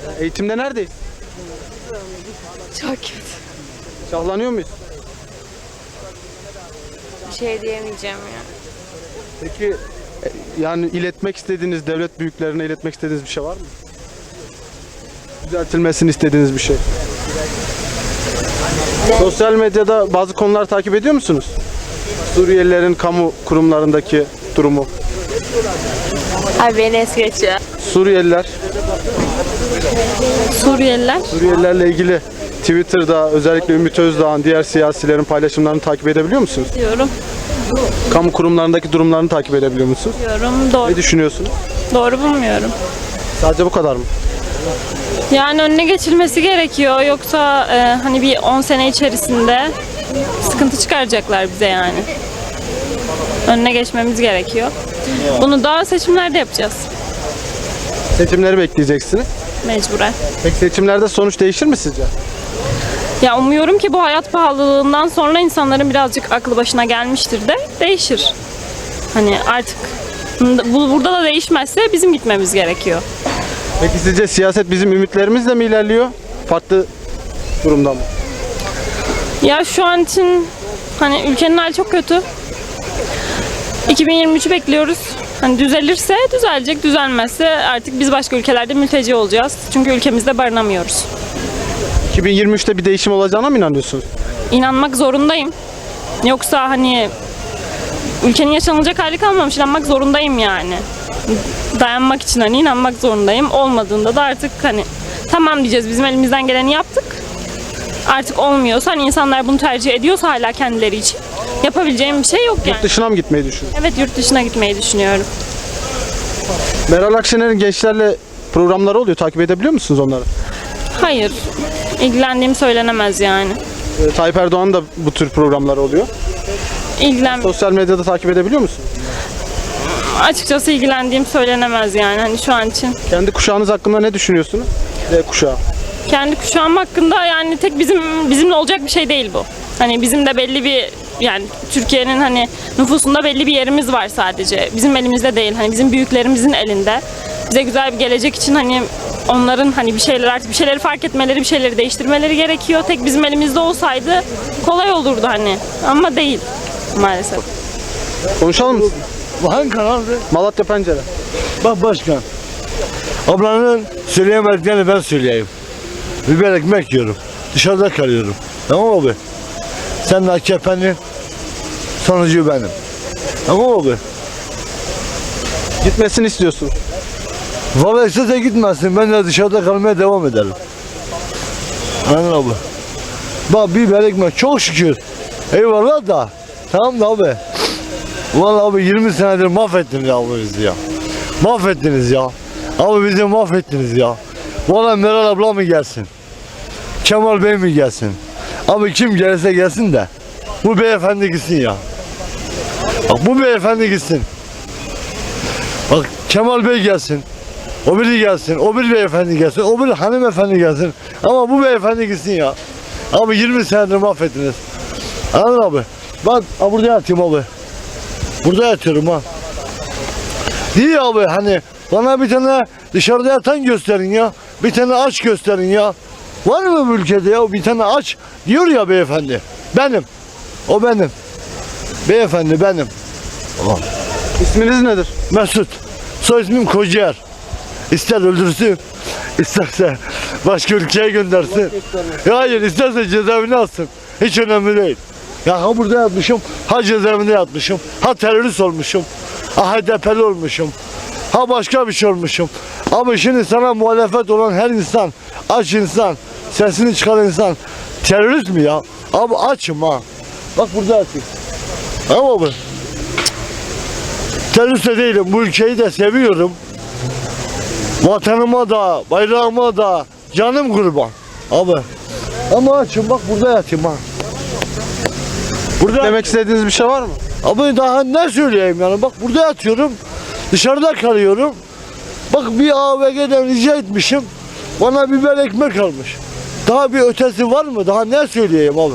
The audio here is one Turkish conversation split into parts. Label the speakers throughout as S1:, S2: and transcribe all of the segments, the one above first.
S1: Eğitimde neredeyiz?
S2: Çok kötü.
S1: Şahlanıyor muyuz?
S2: Bir şey diyemeyeceğim ya.
S1: Peki yani iletmek istediğiniz, devlet büyüklerine iletmek istediğiniz bir şey var mı? Düzeltilmesini istediğiniz bir şey. Sosyal medyada bazı konular takip ediyor musunuz? Suriyelilerin kamu kurumlarındaki durumu.
S2: Abi beni es geç ya.
S1: Suriyeliler,
S2: Suriyeliler
S1: Suriyelilerle ilgili Twitter'da özellikle Ümit Özdağ'ın, diğer siyasilerin paylaşımlarını takip edebiliyor musunuz?
S2: diyorum.
S1: Kamu kurumlarındaki durumlarını takip edebiliyor musunuz?
S2: Diyorum. Doğru,
S1: Ne düşünüyorsunuz?
S2: doğru bulmuyorum.
S1: Sadece bu kadar mı?
S2: Yani önüne geçilmesi gerekiyor. Yoksa hani bir 10 sene içerisinde sıkıntı çıkaracaklar bize yani. Önüne geçmemiz gerekiyor. Bunu da seçimlerde yapacağız.
S1: Seçimleri bekleyeceksiniz.
S2: Mecburen.
S1: Peki seçimlerde sonuç değişir mi sizce?
S2: Ya umuyorum ki bu hayat pahalılığından sonra insanların birazcık aklı başına gelmiştir de değişir. Hani artık burada da değişmezse bizim gitmemiz gerekiyor.
S1: Peki sizce siyaset bizim ümitlerimizle mi ilerliyor? Farklı durumda mı?
S2: Ya şu an için hani ülkenin hali çok kötü. 2023'ü bekliyoruz. Hani düzelirse düzelecek, düzelmezse artık biz başka ülkelerde mülteci olacağız. Çünkü ülkemizde barınamıyoruz.
S1: 2023'te bir değişim olacağına mı inanıyorsunuz?
S2: İnanmak zorundayım. Yoksa hani ülkenin yaşanılacak hali kalmamış. İnanmak zorundayım yani. Dayanmak için hani inanmak zorundayım. Olmadığında da artık hani tamam diyeceğiz. Bizim elimizden geleni yaptık. Artık olmuyorsa hani insanlar bunu tercih ediyorsa hala kendileri için yapabileceğim bir şey yok yani.
S1: Yurt dışına mı gitmeyi düşünüyorsunuz?
S2: Evet, yurt dışına gitmeyi düşünüyorum.
S1: Meral Akşener'in gençlerle programları oluyor. Takip edebiliyor musunuz onları?
S2: Hayır. İlgilendiğim söylenemez yani.
S1: Tayyip Erdoğan'ın da bu tür programları oluyor. Sosyal medyada takip edebiliyor musunuz?
S2: Açıkçası ilgilendiğim söylenemez yani hani şu an için.
S1: Kendi kuşağınız hakkında ne düşünüyorsunuz? Z kuşağı.
S2: Kendi kuşağım hakkında yani tek bizimle olacak bir şey değil bu. Hani bizim de belli bir yani Türkiye'nin hani nüfusunda belli bir yerimiz var sadece. Bizim elimizde değil. Hani bizim büyüklerimizin elinde. Bize güzel bir gelecek için hani onların hani bir şeyleri fark etmeleri, bir şeyleri değiştirmeleri gerekiyor. Tek bizim elimizde olsaydı kolay olurdu hani. Ama değil maalesef.
S1: Konuşalım mı?
S3: Hangi kanaldı?
S1: Malatya Pencere.
S3: Bak başkan. Ablanın söyleyemediklerini ben söyleyeyim. Biber ekmek yiyorum. Dışarıda kalıyorum. Tamam abi. Sen de AKP'nin sonucu benim. Tamam abi.
S1: Gitmesini istiyorsunuz.
S3: Valla istese gitmesin. Ben de dışarıda kalmaya devam ederim. Anladın abi. Bak biber ekmek çok şükür. Eyvallah da. Tamam da abi. Vallahi abi 20 senedir mahvettiniz abi bizi ya. Mahvettiniz ya. Abi bizi mahvettiniz ya. Vallahi Meral abla mı gelsin? Kemal Bey mi gelsin? Abi kim gelirse gelsin de bu beyefendi gitsin ya. Bak bu beyefendi gitsin. Bak Kemal Bey gelsin. O biri gelsin. O bir beyefendi gelsin. O bir hanımefendi gelsin. Ama bu beyefendi gitsin ya. Abi 20 senedir mahvettiniz. Anladın abi? Ben burada yatayım abi. Burada yatıyorum ha. Değil abi hani bana bir tane dışarıda yatan gösterin ya. Bir tane aç gösterin ya. Var mı bu ülkede ya bir tane aç diyor ya beyefendi. Benim. O benim. Beyefendi benim. Allah.
S1: İsminiz nedir?
S3: Mesut. Soy ismim Kocaer. İster öldürsün, isterse başka ülkeye göndersin. Hayır, isterse cezaevine alsın. Hiç önemli değil. Ya ha burada yatmışım, ha cezaevinde yatmışım, ha terörist olmuşum, ha HDP'li olmuşum, ha başka bir şey olmuşum. Ama şimdi sana muhalefet olan her insan, aç insan, sesini çıkaran insan terörist mi ya? Abi açım ha. Bak burada yatayım. Tamam mı? Terörist de değilim, bu ülkeyi de seviyorum. Vatanıma da, bayrağıma da canım kurban. Abi. Ama açım bak burada yatayım ha. Burada
S1: Demek istediğiniz bir şey var mı?
S3: Abi daha ne söyleyeyim yani bak burada yatıyorum. Dışarıda kalıyorum. Bak bir AVG'den rica etmişim. Bana biber ekmek almış. Daha bir ötesi var mı? Daha ne söyleyeyim abi?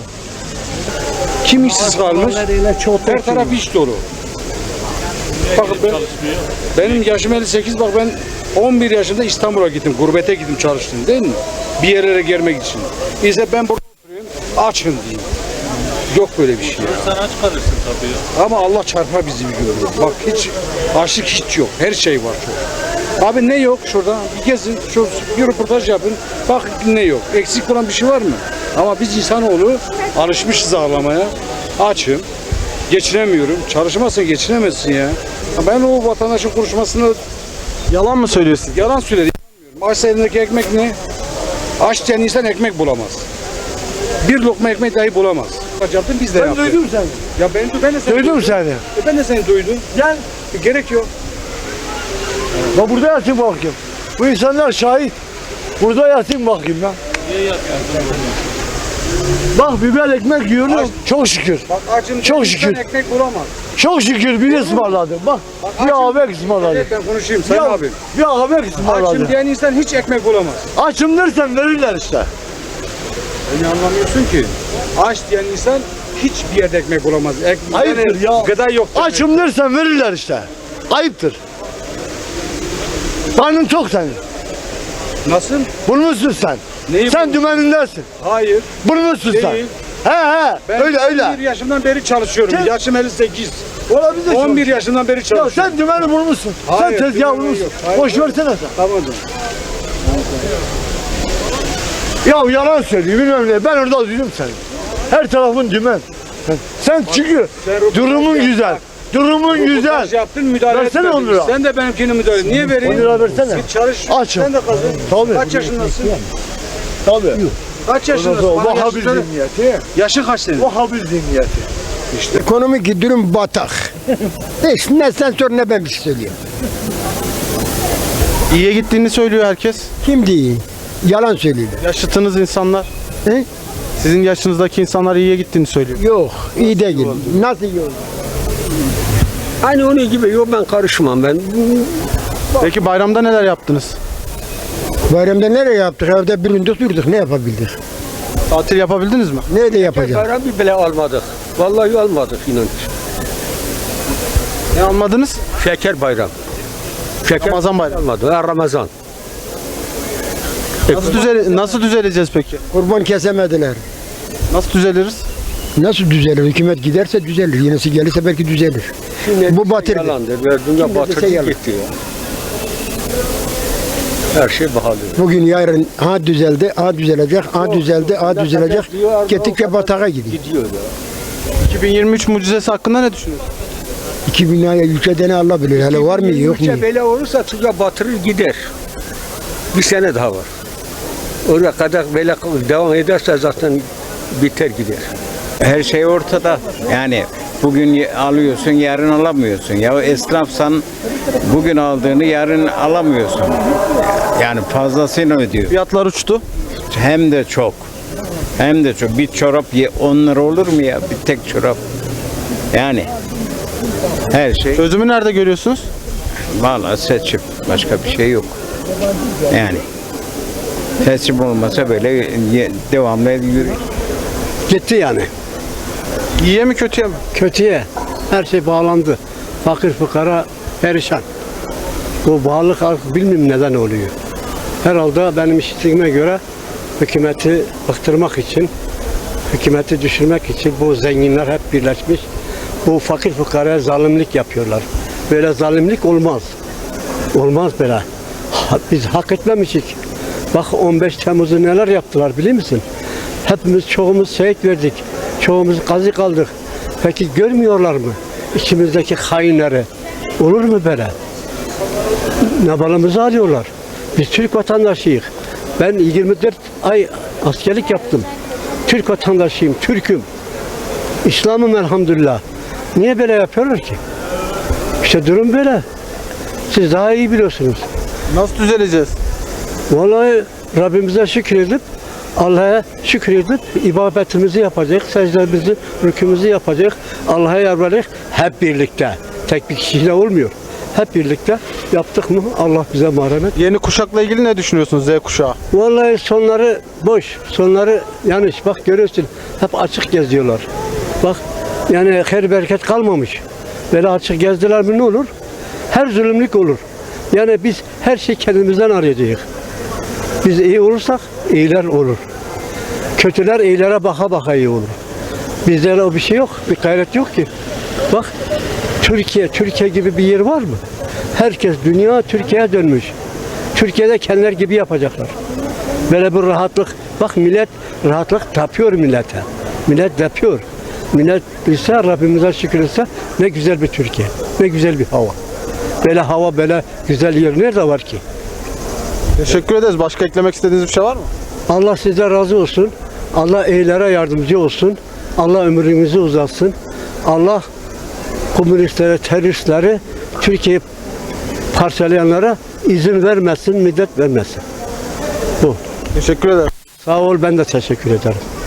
S4: Kim işsiz kalmış? Her taraf iş dolu. Bak benim yaşım 58, bak ben 11 yaşında İstanbul'a gittim, gurbete gittim çalıştım değil mi? Bir yerlere gelmek için. İşte ben burada oturuyorum, açım diyeyim. Yok böyle bir şey ya.
S5: Sen aç kalırsın tabii ya.
S4: Ama Allah çarpar bizi bir görüyor. Bak hiç açlık hiç yok. Her şey var çok. Abi ne yok şurada? Bir gezin, bir röportaj yapın. Bak ne yok. Eksik olan bir şey var mı? Ama biz insanoğlu alışmışız ağlamaya. Açım. Geçinemiyorum. Çalışmazsan geçinemezsin ya. Ben o vatandaşın konuşmasını
S1: Yalan mı söylüyorsun?
S4: yalan söyledi. Açsa elindeki ekmek ne? Aç diyen insan ekmek bulamaz. Bir lokma ekmek dahi bulamaz. Yaptın biz de
S3: Ben
S4: yaptık.
S3: duydum seni.
S4: Ya ben de seni
S3: Duydum
S4: duydum.
S3: seni.
S4: Ben de seni duydum.
S3: Gel.
S4: Gerek yok.
S3: Bak burada yatayım bakayım. Bu insanlar şahit. Burada yatayım bakayım ya.
S5: Niye yapıyorsun?
S3: Bak biber ekmek yiyorum. Çok şükür.
S4: Bak açım
S3: Çok
S4: diyen insan
S3: şükür.
S4: ekmek bulamaz.
S3: Çok şükür biri ısmarladı. Bak bir abi ısmarladı.
S4: Evet, ben konuşayım Sayın
S3: Ya,
S4: abi.
S3: bir abi
S4: Açım
S3: ısmarladı.
S4: diyen insan hiç ekmek bulamaz.
S3: Açım dersen verirler işte.
S4: Beni anlamıyorsun ki. Aç diyen insan hiçbir yerde ekmek bulamaz.
S3: Ayıptır ya.
S4: Gıda yok.
S3: Açım dersen verirler işte. Ayıptır. Karnın tok senin.
S4: Nasıl?
S3: Burnusun sen.
S4: Neyi
S3: Sen
S4: burnu?
S3: dümenindesin.
S4: Hayır.
S3: Burnusun sen.
S4: Değil.
S3: He
S4: Ben
S3: öyle
S4: 11
S3: öyle.
S4: yaşımdan beri çalışıyorum.
S3: Sen-
S4: Yaşım 58.
S3: Olabilir.
S4: 11 yaşından beri
S3: Ya
S4: çalışıyorum.
S3: sen dümeni vurmuşsun.
S4: Hayır,
S3: Sen tezgah
S4: dümeni
S3: vurmuşsun.
S4: yok. Hayır.
S3: Boş versene sen.
S4: Tamam canım.
S3: Ya yalan söylüyor bilmem ne. Ben orada duydum seni. Her tarafın dümen. Sen çünkü
S4: sen
S3: durumun
S4: röportaj
S3: güzel.
S4: yap.
S3: Durumun güzel.
S4: Röportaj yaptın müdahale
S3: Versene
S4: etmedin.
S3: 10 lira.
S4: Sen de benimkini müdahale et. Niye vereyim?
S3: 10 lira versene.
S4: Git çalış.
S3: Açım.
S4: Sen de kazan.
S3: Tabii.
S4: Kaç yaşındasın?
S3: Tabii.
S4: Kaç yaşındasın? Bana
S3: Vahabi
S4: yaşını söyle.
S3: zihniyeti.
S4: Yaşın kaç senin?
S3: Vahabi zihniyeti.
S6: Ekonomik durum batak. Hiç ne sen sor ne ben bir şey söyleyeyim.
S1: İyiye gittiğini söylüyor herkes.
S6: Kim değil? Yalan söylüyor.
S1: Yaşıtınız insanlar.
S6: He?
S1: Sizin yaşınızdaki insanlar iyiye gittiğini söylüyor.
S6: Yok, iyi değil. Nasıl iyi olur?
S7: Aynı onun gibi yok ben karışmam ben.
S1: Peki bayramda neler yaptınız?
S6: Bayramda nereye yaptık? Evde büründük durduk. Ne yapabildik?
S1: Tatil yapabildiniz mi?
S6: Nerede yapacağız?
S7: Bayram bile almadık. Vallahi almadık inan.
S1: Ne almadınız?
S7: Şeker bayram. Şeker
S1: Ramazan bayramı.
S7: almadı. Ha, Ramazan.
S1: Nasıl düzeleceğiz peki?
S6: Kurban kesemediler.
S1: Nasıl düzeliriz?
S6: Nasıl düzelir? Hükümet giderse düzelir. Yenisi gelirse belki düzelir. Bu batırdı.
S7: Yalandır. Verdiğinde batırdı
S6: yalan.
S7: gitti ya. Her şey pahalı.
S6: Bugün yarın ha düzeldi, ha düzelecek, ha düzeldi, ha düzelecek. Gittikçe batağa gidiyor.
S7: Gidiyor ya.
S1: 2023 mucizesi hakkında ne düşünüyorsunuz?
S6: 2000 liraya ülkede ne Allah bilir. Hele var mı yok mu?
S7: Ülke böyle olursa tıkla batırır gider. Bir sene daha var. Oraya kadar böyle devam ederse zaten biter gider.
S8: Her şey ortada. Yani bugün alıyorsun, yarın alamıyorsun. Ya esnafsan bugün aldığını yarın alamıyorsun. Yani fazlasını ödüyor.
S1: Fiyatlar uçtu.
S8: Hem de çok. Hem de çok. Bir çorap 10 lira olur mu ya? Bir tek çorap. Yani her şey
S1: Çözümü nerede görüyorsunuz?
S8: vallahi seçim. Başka bir şey yok. Yani seçim olmasa böyle devamlı yürüyor.
S9: Gitti yani.
S1: İyiye mi kötüye mi?
S9: Kötüye. Her şey bağlandı. Fakir fukara perişan. Bu bağlılık artık bilmiyorum neden oluyor. Herhalde benim işittiğime göre hükümeti bıktırmak için, hükümeti düşürmek için bu zenginler hep birleşmiş. Bu fakir fukaraya zalimlik yapıyorlar. Böyle zalimlik olmaz. Olmaz böyle. Biz hak etmemişik. Bak 15 Temmuz'u neler yaptılar biliyor musun? Hepimiz çoğumuz şehit verdik. Çoğumuz gazi kaldık. Peki görmüyorlar mı? İçimizdeki hainleri. Olur mu böyle? Nabalımızı alıyorlar. Biz Türk vatandaşıyız. Ben 24 ay askerlik yaptım. Türk vatandaşıyım, Türk'üm. İslam'ım elhamdülillah. Niye böyle yapıyorlar ki? İşte durum böyle. Siz daha iyi biliyorsunuz.
S1: Nasıl düzeleceğiz?
S9: Vallahi Rabbimize şükredip, Allah'a şükredip ibadetimizi yapacak, secdemizi, rükümüzü yapacak, Allah'a yalvaracak hep birlikte. Tek bir kişiyle olmuyor. Hep birlikte yaptık mı Allah bize merhamet.
S1: Yeni kuşakla ilgili ne düşünüyorsunuz Z kuşağı?
S9: Vallahi sonları boş, sonları yanlış. Bak görüyorsun hep açık geziyorlar. Bak yani her bereket kalmamış. Böyle açık gezdiler mi ne olur? Her zulümlük olur. Yani biz her şeyi kendimizden arayacağız. Biz iyi olursak iyiler olur. Kötüler iyilere baka baka iyi olur. Bizde o bir şey yok, bir gayret yok ki. Bak Türkiye gibi bir yer var mı? Herkes dünya Türkiye'ye dönmüş. Türkiye'de kendiler gibi yapacaklar. Böyle bir rahatlık. Bak millet rahatlık yapıyor millete. Millet yapıyor. Millet bilse Rabbimize şükür etse ne güzel bir Türkiye. Ne güzel bir hava. Böyle hava böyle güzel yer nerede var ki?
S1: Teşekkür ederiz. Başka eklemek istediğiniz bir şey var mı?
S9: Allah size razı olsun. Allah iyilere yardımcı olsun. Allah ömrünüzü uzatsın. Allah komünistlere, teröristleri, Türkiye'yi parçalayanlara izin vermesin, müddet vermesin. Bu.
S1: Teşekkür ederim.
S9: Sağ ol, ben de teşekkür ederim.